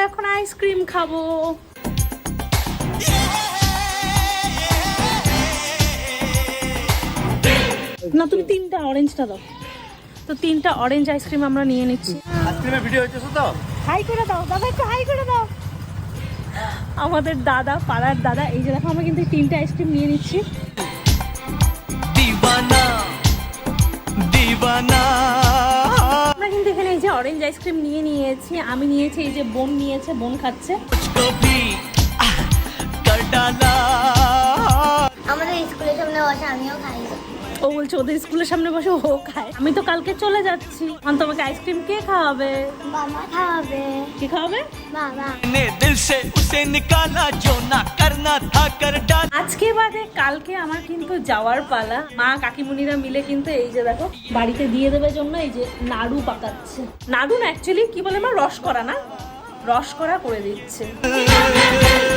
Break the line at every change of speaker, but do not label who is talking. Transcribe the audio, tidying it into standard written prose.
এখন আইসক্রিম খাবো। না তুমি তিনটা অরেঞ্জটা দাও। তো তিনটা অরেঞ্জ আইসক্রিম আমরা নিয়ে নিচ্ছি।
আইসক্রিমের ভিডিও হচ্ছে তো?
হাই করে দাও দাদা, একটু হাই করে দাও। আমাদের দাদা, পাড়ার দাদা, এই যে দেখো আমরা কিন্তু তিনটা আইসক্রিম নিয়ে নিচ্ছি। আমরা কিন্তু এখানে এই যে অরেঞ্জ আইসক্রিম নিয়ে নিয়েছি, আমি নিয়েছি, এই যে বোন নিয়েছে, বোন খাচ্ছে।
আমাদের স্কুলের সামনে বসে আমিও খাই।
ও বলছে ওদের স্কুলের সামনে বসে ও খায়। আমি তো কালকে চলে যাচ্ছি। এখন তোমাকে আইসক্রিম কে খাওয়াবে?
বাবা খাওয়াবে।
কে খাওয়াবে?
বাবা।
আজকে বাদে কালকে আমার কিন্তু যাওয়ার পালা। মা কাকিমুনিরা মিলে কিন্তু এই যে দেখো বাড়িতে দিয়ে দেবে জন্য এই যে নাড়ু পাকাচ্ছে। নাড়ু না, অ্যাকচুয়ালি কি বলে মা, রস করা না, রস করা করে দিচ্ছে।